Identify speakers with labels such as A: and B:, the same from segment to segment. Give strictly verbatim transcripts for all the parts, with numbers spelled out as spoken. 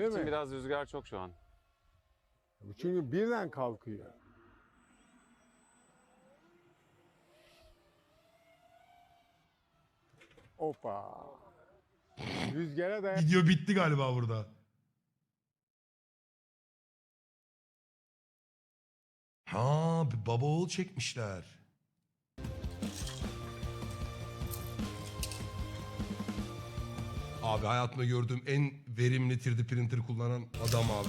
A: için
B: mi?
A: biraz rüzgar çok şu an.
B: Çünkü birden kalkıyor. Hoppa. Rüzgara dayan.
C: Video bitti galiba burada. Ha, bir baba oğul çekmişler. Abi hayatımda gördüğüm en verimli üç D printer kullanan adam abi.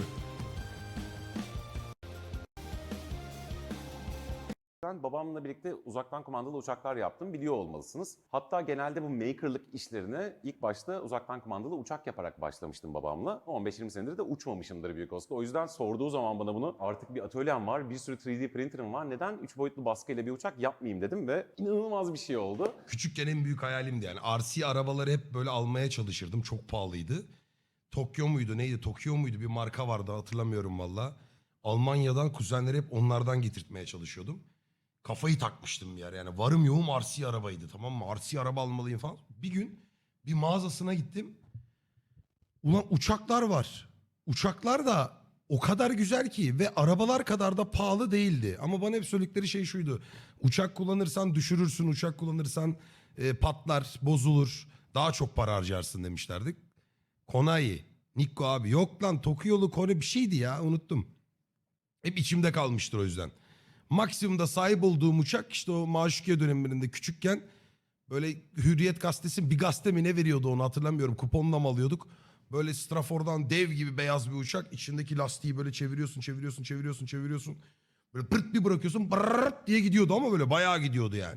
A: Ben babamla birlikte uzaktan kumandalı uçaklar yaptım, biliyor olmalısınız. Hatta genelde bu makerlık işlerine ilk başta uzaktan kumandalı uçak yaparak başlamıştım babamla. on beş yirmi senedir de uçmamışımdır büyük olasılıkla. O yüzden sorduğu zaman bana bunu, artık bir atölyem var, bir sürü üç D printer'ım var, neden üç boyutlu baskıyla bir uçak yapmayayım dedim ve inanılmaz bir şey oldu.
C: Küçükken en büyük hayalimdi yani. R C arabaları hep böyle almaya çalışırdım. Çok pahalıydı. Tokyo muydu neydi? Tokyo muydu? Bir marka vardı, hatırlamıyorum valla. Almanya'dan kuzenleri hep onlardan getirtmeye çalışıyordum. Kafayı takmıştım bir yer yani. Varım yoğum R C arabaydı, tamam mı? R C araba almalıyım falan. Bir gün bir mağazasına gittim. Ulan uçaklar var. Uçaklar da o kadar güzel ki ve arabalar kadar da pahalı değildi. Ama bana hep söyledikleri şey şuydu. Uçak kullanırsan düşürürsün, uçak kullanırsan e, patlar, bozulur. Daha çok para harcarsın demişlerdi. Konai, Nikko abi. Yok lan, Tokyo'lu Kore bir şeydi ya, unuttum. Hep içimde kalmıştır o yüzden. Maksimumda sahip olduğum uçak işte o Maşukiye dönemlerinde küçükken böyle Hürriyet gazetesi bir gazete mi ne veriyordu onu hatırlamıyorum. Kuponla mı alıyorduk? Böyle Strafor'dan dev gibi beyaz bir uçak. İçindeki lastiği böyle çeviriyorsun, çeviriyorsun, çeviriyorsun, çeviriyorsun. Böyle pırt bir bırakıyorsun, brrrt diye gidiyordu ama böyle bayağı gidiyordu yani.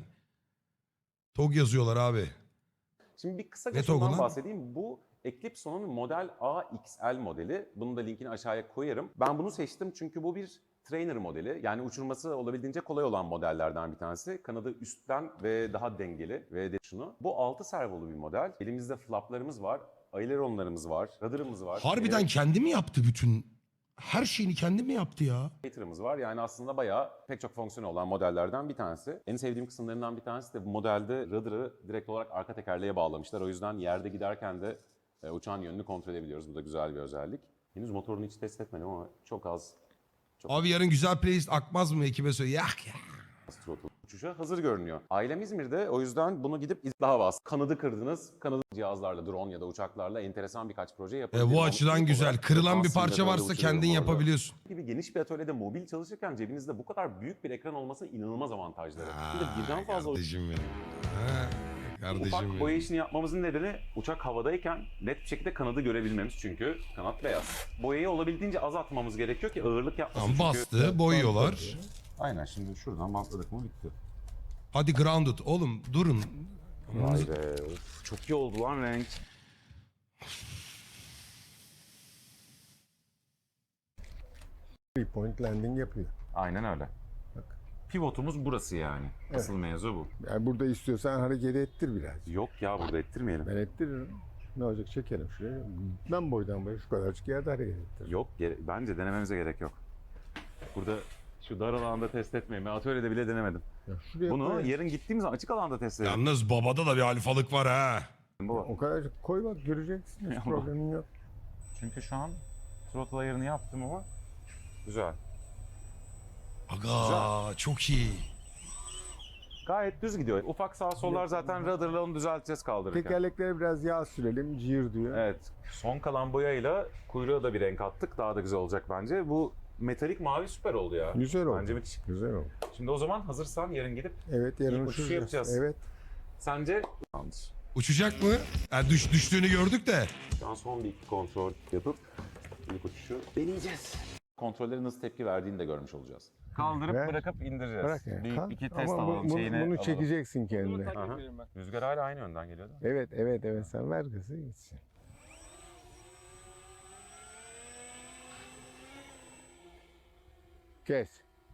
C: T O G yazıyorlar abi.
A: Şimdi bir kısaca
C: Ne
A: şundan
C: Togo'nun?
A: bahsedeyim. Bu Eclipse'nin Model A X L modeli. Bunun da linkini aşağıya koyarım. Ben bunu seçtim çünkü bu bir trainer modeli. Yani uçurması olabildiğince kolay olan modellerden bir tanesi. Kanadı üstten ve daha dengeli ve de şunu. Bu altı servolu bir model. Elimizde flaplarımız var, aileronlarımız var, radarımız var.
C: Harbiden
A: e,
C: kendi mi yaptı bütün? Her şeyini kendi mi yaptı ya?
A: Cater'ımız var. Yani aslında bayağı pek çok fonksiyonu olan modellerden bir tanesi. En sevdiğim kısımlarından bir tanesi de bu modelde radarı direkt olarak arka tekerleğe bağlamışlar. O yüzden yerde giderken de e, uçağın yönünü kontrol edebiliyoruz. Bu da güzel bir özellik. Henüz motorunu hiç test etmedim ama çok az çok
C: Abi yarın güzel playlist akmaz mı ekibe söyle? Yak ya.
A: az throttle uçuşa hazır görünüyor. Ailem İzmir'de, o yüzden bunu gidip iz- daha bas. Kanadı kırdınız. Kanadı cihazlarla, drone ya da uçaklarla enteresan birkaç proje
C: E,
A: yapabilirim.
C: bu
A: Ama
C: açıdan
A: ilk
C: güzel.
A: olarak
C: Kırılan bir
A: Fransız'da
C: parça
A: böyle
C: varsa
A: uçuruyorum
C: kendin
A: bu arada.
C: yapabiliyorsun.
A: Gibi geniş bir atölyede mobil çalışırken cebinizde bu kadar büyük bir ekran olması inanılmaz avantajları. Bir de birden
C: Aa,
A: fazla
C: kardeşim benim. Ha, kardeşim
A: ufak
C: benim.
A: boya işini yapmamızın nedeni uçak havadayken net bir şekilde kanadı görebilmemiz, çünkü kanat beyaz. Boyayı olabildiğince az atmamız gerekiyor ki ağırlık yapmasın.
C: Tamam,
A: çünkü...
C: bastı, boyuyorlar.
A: Aynen, şimdi şuradan bantladık mı bitti.
C: Hadi grounded. Oğlum durun.
A: Vay be, of, çok iyi oldu lan renk.
B: Three point landing yapıyor.
A: Aynen öyle.
B: Bak.
A: Pivotumuz burası yani. Asıl mevzu bu.
B: Yani burada istiyorsan hareket ettir biraz.
A: Yok ya, burada ettirmeyelim.
B: Ben ettiririm. Ne olacak, çekelim şuraya. Ben boydan boya şu kadarcık yerde hareket ettiririm.
A: Yok, gere- bence denememize gerek yok. Burada şu dar alanda test etmeyin. Ben atölyede bile denemedim.
B: Ya şuraya
A: Bunu
B: koy.
A: yarın gittiğimiz zaman açık alanda test edelim.
C: Yalnız babada da bir alfalık var ha.
A: Baba.
B: O kadarcık koy bak, göreceksin. Hiç
A: Ama-
B: problemin yok.
A: Çünkü şu an throttle ayarını yaptım ama güzel.
C: Aga çok iyi.
A: Gayet düz gidiyor. Ufak sağ sollar zaten radarla onu düzelteceğiz kaldırırken.
B: Tekerleklere biraz yağ sürelim, cihir diyor.
A: Evet. Son kalan boyayla kuyruğa da bir renk attık. Daha da güzel olacak bence. Bu metalik mavi süper oldu ya.
B: Güzel oldu.
A: Bence müthiş.
B: Güzel oldu.
A: Şimdi o zaman hazırsan yarın gidip
B: Evet, yarın
A: İlk uçuşu
B: uçuracağız.
A: yapacağız.
B: Evet.
A: sence... Tamamdır.
C: Uçacak mı? Yani düş, düştüğünü gördük de.
A: Şu an son bir iki kontrol yapıp ilk uçuşu deneyeceğiz. Kontrollerin nasıl tepki verdiğini de görmüş olacağız. Kaldırıp
B: Ver.
A: bırakıp indireceğiz.
B: Bırak yani.
A: Bir
B: Kal.
A: iki test
B: Ama bu-
A: alalım.
B: bunu,
A: şeyini
B: bunu
A: alalım.
B: çekeceksin kendine.
A: Aha. Rüzgar hala aynı yönden geliyor değil mi?
B: Evet, evet, evet. Sen ver gazı gitsin. Kes.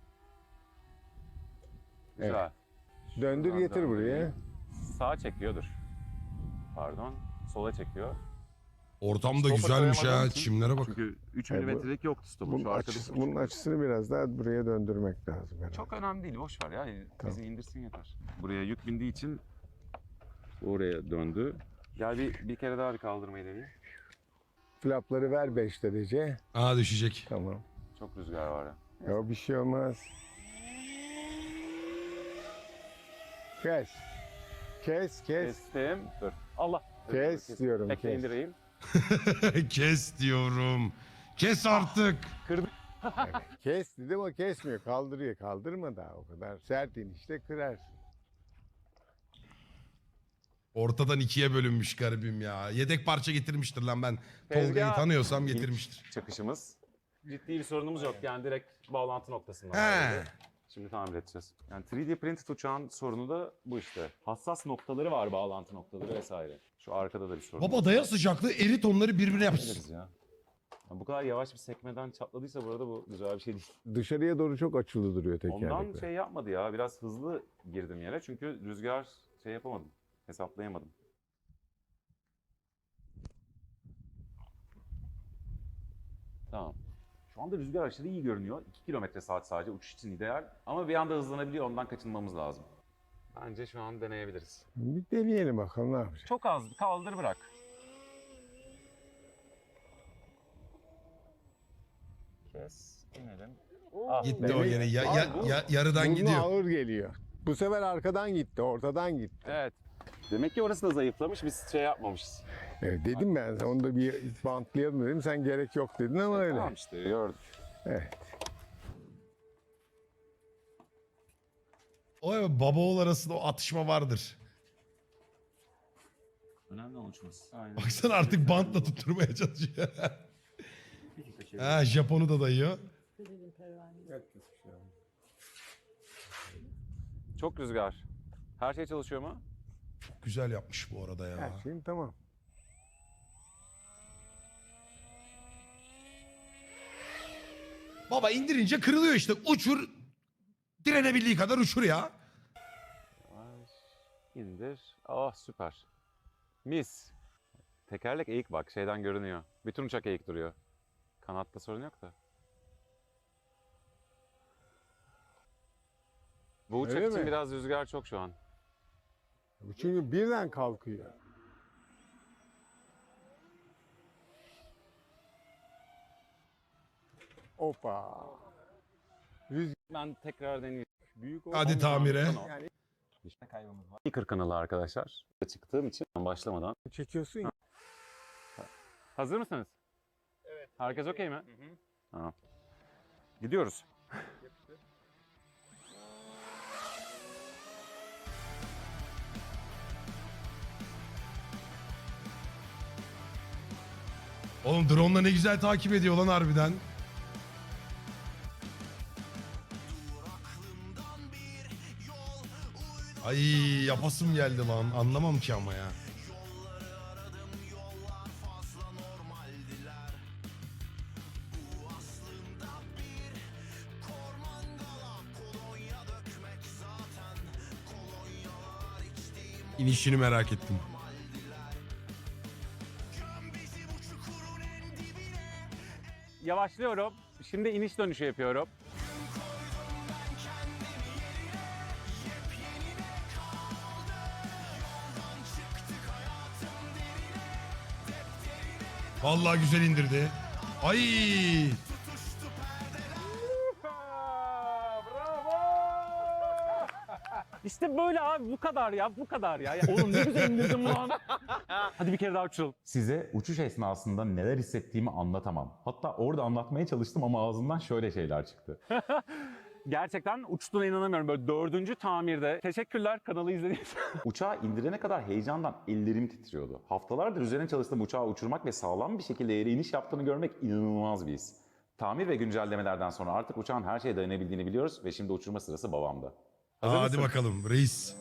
A: Güzel.
B: Döndür
A: Şuradan
B: getir buraya.
A: döndüreyim. Sağa çekiyordur. Pardon. Sola çekiyor.
C: Ortam da
A: Stopa
C: güzelmiş ha.
A: koyamadığım için-
C: Çimlere bak.
A: Çünkü üç
B: E, bu-
A: milimetrelik yoktu stopun.
B: Bunun,
A: Şu arkada
B: açısı,
A: bir buçuk
B: bunun
A: var.
B: açısını biraz daha buraya döndürmek lazım herhalde.
A: Çok önemli değil. Boş ver ya.
B: Tamam.
A: Bizi indirsin yeter. Buraya yük bindiği için oraya döndü. Gel bir, bir kere daha bir kaldırmayı deneyeyim.
B: Flapları ver beş derece.
C: Aa düşecek.
B: Tamam.
A: Çok rüzgar var ya.
B: Ya bir şey olmaz. Kes. Kes, kes.
A: Kestim. Dur. Allah.
B: Kes diyorum,
A: Bekle
B: kes.
A: indireyim.
C: Kes diyorum. Kes artık.
A: Kırdım.
B: Kes dedim o kesmiyor. Kaldırıyor. Kaldırma daha o kadar. Sert inişte kırarsın.
C: Ortadan ikiye bölünmüş garibim ya. Yedek parça getirmiştir lan ben.
A: Tezgah.
C: Tolga'yı tanıyorsam
A: İlk
C: getirmiştir.
A: Çakışımız. Ciddi bir sorunumuz yok. Yani direkt bağlantı noktasında.
C: He.
A: vardı. Şimdi tamir edeceğiz. Yani üç D printed uçağın sorunu da bu işte. Hassas noktaları var, bağlantı noktaları vesaire. Şu arkada da bir sorun
C: Baba
A: var.
C: daya sıcaklığı erit onları birbirine yapsın.
A: Hallederiz ya. Ya bu kadar yavaş bir sekmeden çatladıysa bu arada bu güzel bir şey değil.
B: Dışarıya doğru çok açılı duruyor tekerlekler.
A: Ondan şey yapmadı ya. Biraz hızlı girdim yere. Çünkü rüzgar şey yapamadım. Hesaplayamadım. Tamam. Şu anda rüzgar aşırı iyi görünüyor. iki kilometre saat sadece uçuş için ideal. Ama bir anda hızlanabiliyor. Ondan kaçınmamız lazım. Bence şu an deneyebiliriz.
B: Bir deneyelim bakalım ne yapacak.
A: Çok az. Kaldır bırak. Kes. İnelim. Ah,
C: Gitti
B: Demek-
C: o yine. Ya, ya,
B: Abi bu-
C: ya- yarıdan
B: Burnu
C: gidiyor.
B: ağır geliyor. Bu sefer arkadan gitti, ortadan gitti.
A: Evet. Demek ki orası da zayıflamış. Biz şey yapmamışız.
B: Evet, dedim ben sana, onu da bir bantlayalım dedim. Sen gerek yok dedin ama öyle.
A: Tamam işte gördüm.
B: Evet.
C: O evet, baba oğul arasında o atışma vardır.
A: Önemli olan uçması. Aynen.
C: Baksana artık bantla tutturmaya çalışıyor. Ha Japon'u da dayıyor.
A: Çok rüzgar. Her şey çalışıyor mu?
C: Güzel yapmış bu arada ya.
B: Her şeyim tamam.
C: Baba indirince kırılıyor işte. Uçur. Direnebildiği kadar uçur ya.
A: Yavaş. İndir. Ah süper. Mis. Tekerlek eğik bak şeyden görünüyor. Bütün uçak eğik duruyor. Kanatta sorun yok da. Bu uçak
B: Öyle
A: için
B: mi?
A: biraz rüzgar çok şu an.
B: Bu çünkü birden kalkıyor. Hoppa. Rüzgar
A: Ben tekrar deneyeyim.
B: büyük
C: Hadi tamire.
B: Yani
A: Speaker kanalı arkadaşlar. Çıktığım için başlamadan.
B: çekiyorsun ya.
A: Hazır mısınız? Evet. Herkes okey mi? Hı hı. Tamam. Gidiyoruz.
C: Oğlum drone'la ne güzel takip ediyor lan harbiden. Ay yapasım geldi lan. Anlamam ki ama ya. İnişini merak ettim.
A: Yavaşlıyorum. Şimdi iniş dönüşü yapıyorum.
C: Vallahi güzel indirdi. Ay!
A: İşte böyle abi bu kadar ya bu kadar ya. Ya oğlum ne güzel indirdim lan. Hadi bir kere daha uçalım.
D: Size uçuş esnasında neler hissettiğimi anlatamam. Hatta orada anlatmaya çalıştım ama ağzımdan şöyle şeyler çıktı.
A: Gerçekten uçtuğuna inanamıyorum. Böyle dördüncü tamirde. Teşekkürler kanalı izlediğiniz için.
D: Uçağı indirene kadar heyecandan ellerim titriyordu. Haftalardır üzerine çalıştığım uçağı uçurmak ve sağlam bir şekilde yere iniş yaptığını görmek inanılmaz bir his. Tamir ve güncellemelerden sonra artık uçağın her şeye dayanabildiğini biliyoruz ve şimdi uçurma sırası babamda. Hazır
C: Hadi
D: mısın?
C: bakalım reis.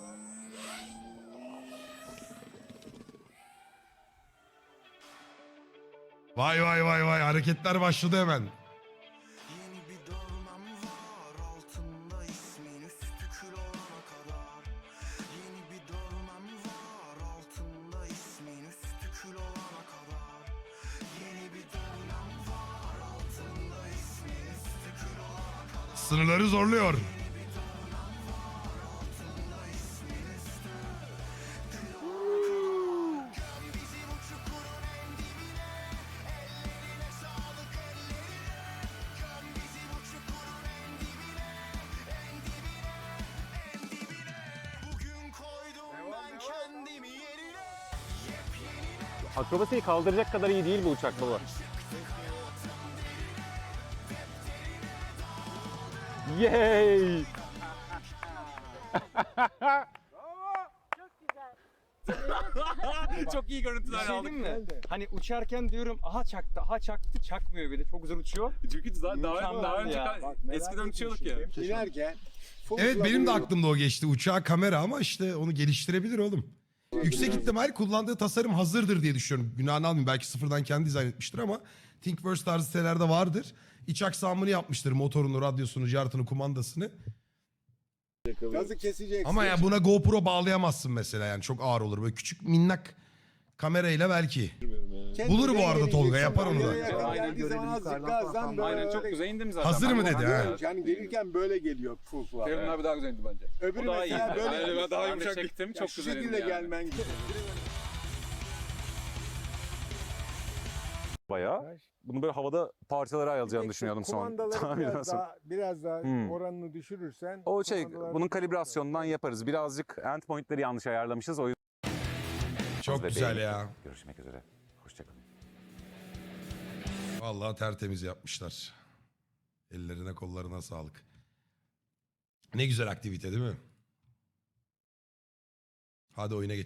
C: Vay vay vay vay hareketler başladı hemen.
E: Yeni bir dövmem var altında ismin üstü kül olana kadar. Yeni bir dövmem var altında ismin üstü kül olana kadar. Yeni bir dövmem var altında ismin üstü kül olana kadar.
C: Sınırları zorluyor.
F: Akrobasiyi kaldıracak kadar iyi değil bu uçak baba. Yay!
G: Çok iyi görüntüler
H: Bir şey
G: aldık.
H: diyeyim mi? Hani uçarken diyorum aha çaktı, aha çaktı, çakmıyor bir de. Çok güzel uçuyor.
G: Çünkü daha, daha, daha
H: Mükemmel
G: önce
H: ya.
G: ka-
B: Bak, merak
G: eskiden
B: ettim
G: uçuyorduk
B: şimdi.
G: ya.
B: İnerken
C: Evet benim de
B: fırlatıyorum.
C: aklımda o geçti. Uçağa kamera ama işte onu geliştirebilir oğlum. Yüksek ihtimal kullandığı tasarım hazırdır diye düşünüyorum. Günahını almayayım. Belki sıfırdan kendi dizayn etmiştir ama Thingiverse tarzı sitelerde vardır. İç aksamını yapmıştır. Motorunu, radyosunu, cartını, kumandasını.
B: Gazı keseceksin.
C: Ama ya buna GoPro bağlayamazsın mesela yani. Çok ağır olur. Böyle küçük minnak kamerayla belki.
B: Kendine
C: Bulur bu arada
B: geleceksin.
C: Tolga, yapar onu da.
B: Oraya yakın
G: Aynen,
B: geldiği zaman azıcık gazdan böyle.
G: Aynen çok güzel indim zaten.
C: Hazır
G: Ben
C: mı
G: bu-
C: dedi ha?
B: Yani gelirken böyle geliyor pufla.
I: Ferun abi daha güzel indi bence.
B: Öbürü
G: O daha iyi.
B: mesela böyle.
G: Yani ben daha
I: Ben de
G: yumuşak
I: çektim,
G: çektim.
B: Ya
G: Çok
B: şu
G: güzel indi
B: şekilde
G: yani.
B: gelmen gibi.
A: Bayağı. Bunu böyle havada parçalara ayrılacağını düşünüyordum son
B: Kumandaları
A: tahminden
B: biraz
A: sonra.
B: daha, biraz daha
A: Hmm.
B: oranını düşürürsen.
A: O şey,
B: kumandalar-
A: bunun kalibrasyonundan yaparız. Birazcık endpointleri yanlış ayarlamışız. O yüzden
C: Çok
A: ve
C: güzel
A: beğendik.
C: ya.
A: Görüşmek üzere. Hoşçakalın.
C: Vallahi tertemiz yapmışlar. Ellerine kollarına sağlık. Ne güzel aktivite değil mi? Hadi oyuna geç.